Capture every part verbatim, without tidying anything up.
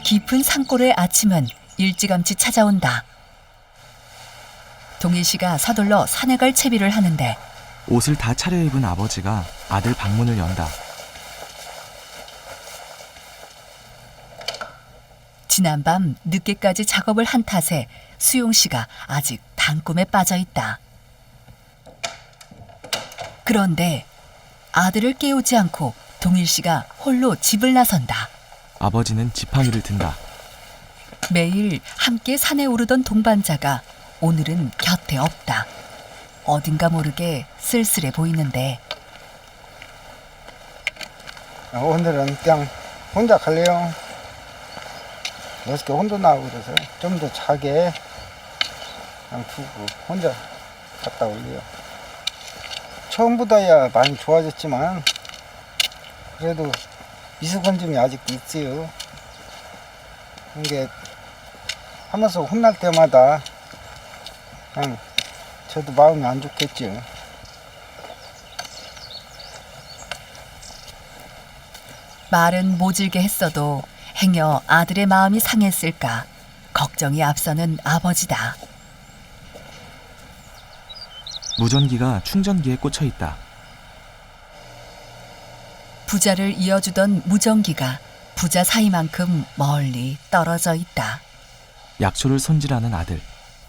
깊은 산골의 아침은 일찌감치 찾아온다. 동일 씨가 서둘러 산에 갈 채비를 하는데 옷을 다 차려입은 아버지가 아들 방문을 연다. 지난밤 늦게까지 작업을 한 탓에 수용 씨가 아직 단꿈에 빠져 있다. 그런데 아들을 깨우지 않고 동일 씨가 홀로 집을 나선다. 아버지는 지팡이를 든다. 매일 함께 산에 오르던 동반자가 오늘은 곁에 없다. 어딘가 모르게 쓸쓸해 보이는데 오늘은 그냥 혼자 갈래요. 어저께 혼자 나오고 그래서 좀 더 자게 그냥 두고 혼자 갔다 올래요. 처음보다야 많이 좋아졌지만 그래도 미숙건짐이 아직도 있어요. 이게 하면서 혼날 때마다 그냥 저도 마음이 안 좋겠죠. 말은 모질게 했어도 행여 아들의 마음이 상했을까 걱정이 앞서는 아버지다. 무전기가 충전기에 꽂혀 있다. 부자를 이어주던 무전기가 부자 사이만큼 멀리 떨어져 있다. 약초를 손질하는 아들.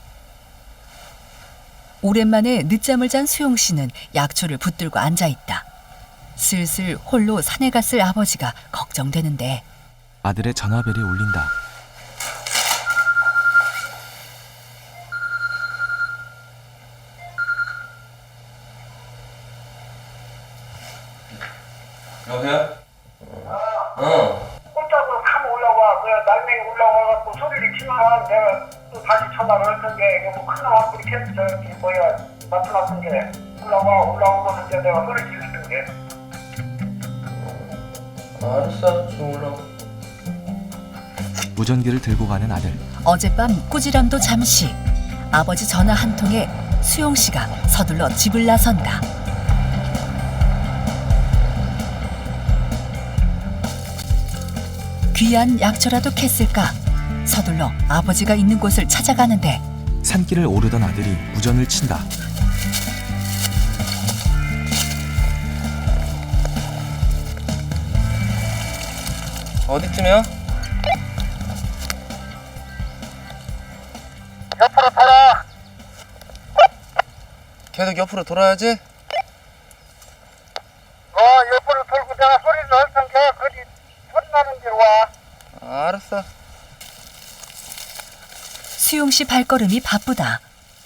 오랜만에 늦잠을 잔 수용 씨는 약초를 붙들고 앉아 있다. 슬슬 홀로 산에 갔을 아버지가 걱정되는데 아들의 전화벨이 울린다. 여보세요? 어. 꼼짝으로 참 올라와. 그래, 날맹이 올라와갖고 소리를 치면 내가 또 다시 전화를 할 텐데, 이거 뭐 큰 나왔고, 이렇게, 저기, 뭐야, 나쁜 나쁜 게. 올라와, 올라오고서 이제 내가 소리 지를 텐데. 알았어, 지금 올라와. 무전기를 들고 가는 아들. 어젯밤 꾸지람도 잠시. 아버지 전화 한 통에 수용 씨가 서둘러 집을 나선다. 귀한 약초라도 캤을까? 서둘러 아버지가 있는 곳을 찾아가는데 산길을 오르던 아들이 무전을 친다. 어디쯤이야? 옆으로 돌아. 계속 옆으로 돌아야지? 어, 옆으로 돌고 내가 소리를 할 텐데, 거기 소리 나는 데로 와. 아, 알았어. 수용 씨 발걸음이 바쁘다.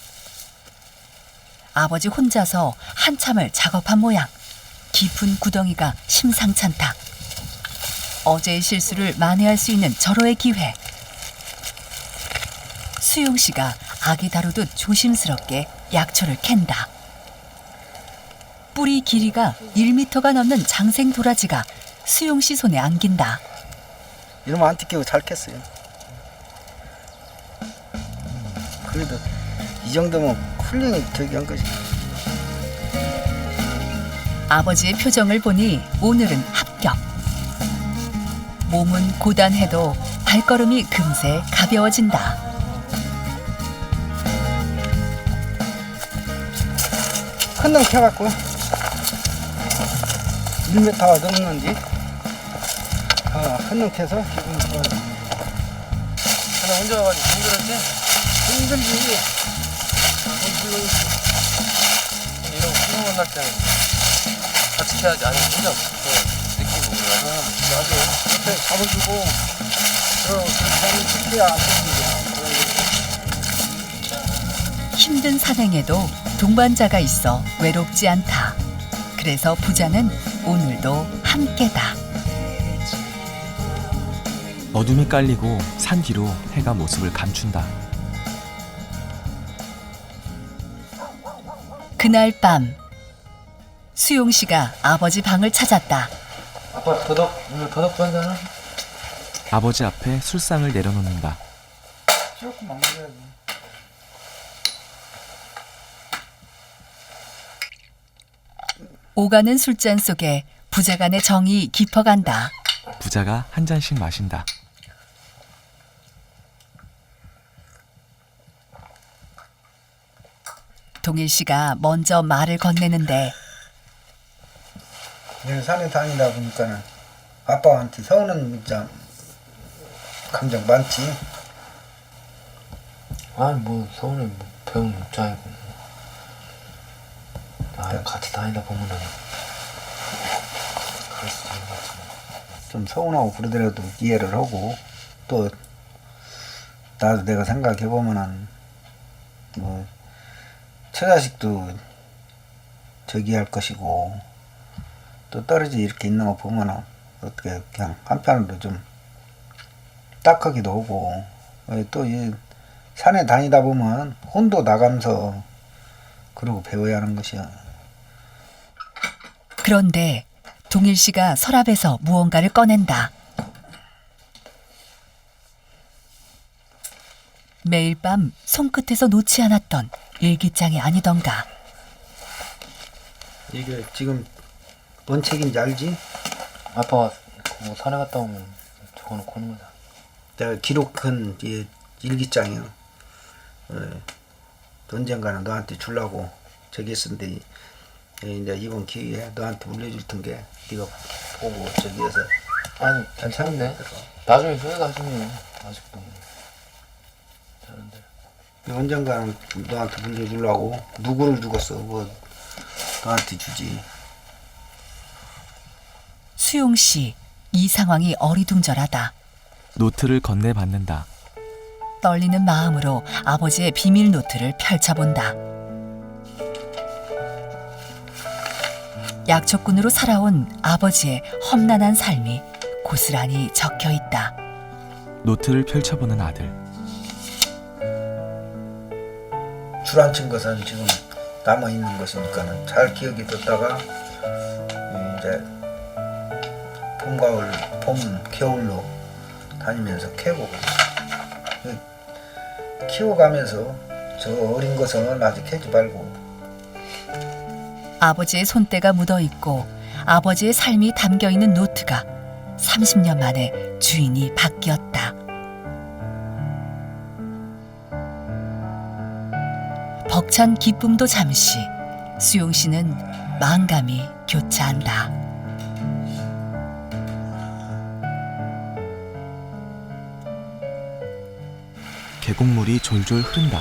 아버지 혼자서 한참을 작업한 모양. 깊은 구덩이가 심상찮다. 어제의 실수를 만회할 수 있는 절호의 기회. 수용 씨가 아기 다루듯 조심스럽게 약초를 캔다. 뿌리 길이가 일 미터가 넘는 장생 도라지가 수용 씨 손에 안긴다. 이러면 안 뜯기고 잘 캤어요. 그래도 이 정도면 훌륭히 저기 한 거지. 아버지의 표정을 보니 오늘은 합격. 몸은 고단해도 발걸음이 금세 가벼워진다. 큰 놈 켜갖고 일 미터가 넘는지 어, 큰 놈 켜서 기분 좋아요. 하나 혼자 와가지고 힘들었지? 힘들지. 근데 이런 거 훌륭 만날 때는 같이 해야지. 아니, 혼자 그 느끼고 그래. 나도 옆에 잡아주고 그러 그렇게 하면 쉽게야 안 뜯기냐. 힘든 산행에도 동반자가 있어 외롭지 않다. 그래서 부자는 오늘도 함께다. 어둠이 깔리고 산 뒤로 해가 모습을 감춘다. 그날 밤 수용 씨가 아버지 방을 찾았다. 아빠 더덕, 오늘 더덕 한 잔? 아버지 앞에 술상을 내려놓는다. 조금만 먹어야지. 오가는 술잔 속에 부자간의 정이 깊어간다. 부자가 한 잔씩 마신다. 동일 씨가 먼저 말을 건네는데 내가 산에 다니다 보니까는 아빠한테 서운한 문자 감정 많지. 아니 뭐 서울에 뭐 배운 입장이고 아 같이 다니다 보면은 그럴 수 있는 거지. 좀 서운하고 그러더라도 이해를 하고, 또 나도 내가 생각해 보면은 뭐 처자식도 저기 할 것이고, 또 떨어져 이렇게 있는 거 보면은 어떻게 그냥 한편으로 좀 딱하기도 하고, 또 이 산에 다니다 보면 혼도 나가면서 그러고 배워야 하는 것이야. 그런데 동일 씨가 서랍에서 무언가를 꺼낸다. 매일 밤 손끝에서 놓지 않았던 일기장이 아니던가. 이게 지금 뭔 책인지 알지? 아빠가 뭐 산에 갔다 오면 적어놓고 오는 거다. 내가 기록한 이 일기장이야. 어, 언젠가는 너한테 주려고 저기 했었는데, 이제 이번 기회에 너한테 물려줄 텐게 네가 보고 저기 해서. 아니 괜찮은데 나중에 후회 가지면 아직도 되는데. 언젠가는 너한테 물려주려고. 누구를 죽었어? 뭐 너한테 주지. 수용 씨, 이 상황이 어리둥절하다. 노트를 건네받는다. 떨리는 마음으로 아버지의 비밀 노트를 펼쳐본다. 약초꾼으로 살아온 아버지의 험난한 삶이 고스란히 적혀 있다. 노트를 펼쳐보는 아들. 주란친 것은 지금 남아 있는 것이니까는 잘 기억이 뒀다가 이제 봄, 가을, 봄, 겨울로 다니면서 캐고 키워가면서 저 어린 것은 아직 캐지 말고. 아버지의 손때가 묻어있고 아버지의 삶이 담겨있는 노트가 삼십 년 만에 주인이 바뀌었다. 벅찬 기쁨도 잠시, 수용 씨는 마음감이 교차한다. 계곡물이 졸졸 흐른다.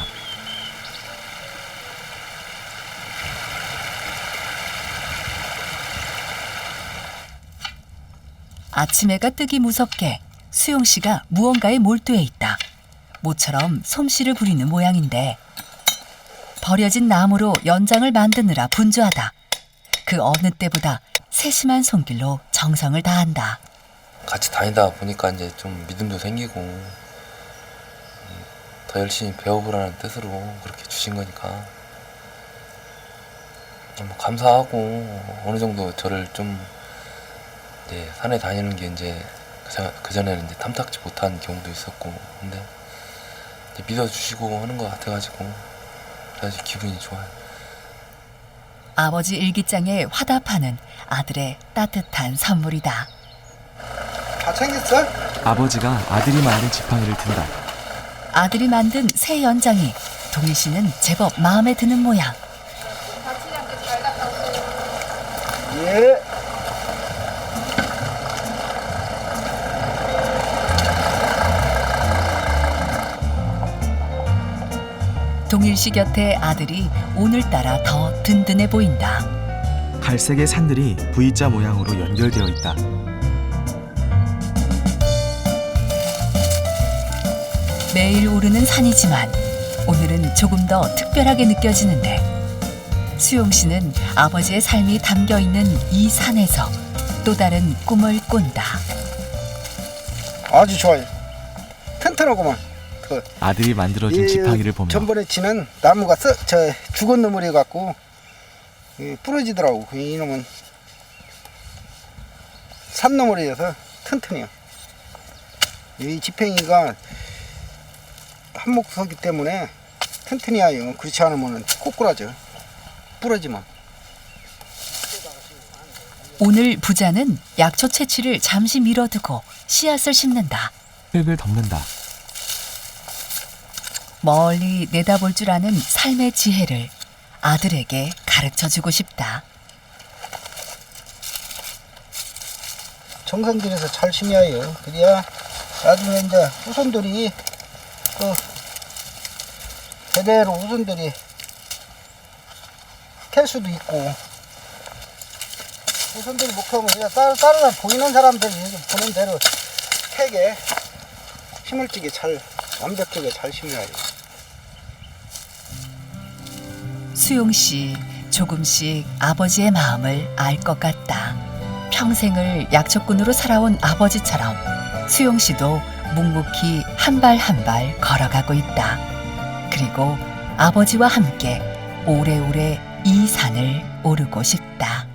아침 해가 뜨기 무섭게 수용 씨가 무언가에 몰두해 있다. 모처럼 솜씨를 부리는 모양인데 버려진 나무로 연장을 만드느라 분주하다. 그 어느 때보다 세심한 손길로 정성을 다한다. 같이 다니다 보니까 이제 좀 믿음도 생기고 더 열심히 배워보라는 뜻으로 그렇게 주신 거니까 뭐 감사하고, 어느 정도 저를 좀 이제 산에 다니는 게 이제 그 전에는 이제 탐탁지 못한 경우도 있었고, 근데 이제 믿어주시고 하는 것 같아가지고 아주 기분이 좋아요. 아버지 일기장에 화답하는 아들의 따뜻한 선물이다. 다 챙겼어? 아버지가 아들이 만든 지팡이를 든다. 아들이 만든 새 연장이 동일 씨는 제법 마음에 드는 모양. 예. 동일 씨 곁에 아들이 오늘따라 더 든든해 보인다. 갈색의 산들이 V자 모양으로 연결되어 있다. 매일 오르는 산이지만 오늘은 조금 더 특별하게 느껴지는데, 수용 씨는 아버지의 삶이 담겨 있는 이 산에서 또 다른 꿈을 꾼다. 아주 좋아요. 튼튼하고만. 그 아들이 만들어준 이, 지팡이를 보며 전번에 치는 나무가 써, 저 죽은 놈을 해갖고 이, 부러지더라고. 이놈은 산놈을 해서 튼튼해요. 이 지팡이가 한목서기 때문에 튼튼히 해요. 그렇지 않으면 꼬꾸라져. 부러지면. 오늘 부자는 약초 채취를 잠시 미뤄두고 씨앗을 심는다. 흙을 덮는다. 멀리 내다볼 줄 아는 삶의 지혜를 아들에게 가르쳐주고 싶다. 정성들여서 잘 심어야요. 그래야 나중에 이제 후손들이 그 제대로 후손들이 캘 수도 있고, 후손들이 목표하면 그냥 다른, 다른 보이는 사람들이 보는 대로 캐게 힘을지게 잘 완벽하게 잘 심어야 해요. 수용 씨 조금씩 아버지의 마음을 알 것 같다. 평생을 약초꾼으로 살아온 아버지처럼 수용 씨도 묵묵히 한 발 한 발 걸어가고 있다. 그리고 아버지와 함께 오래오래 이 산을 오르고 싶다.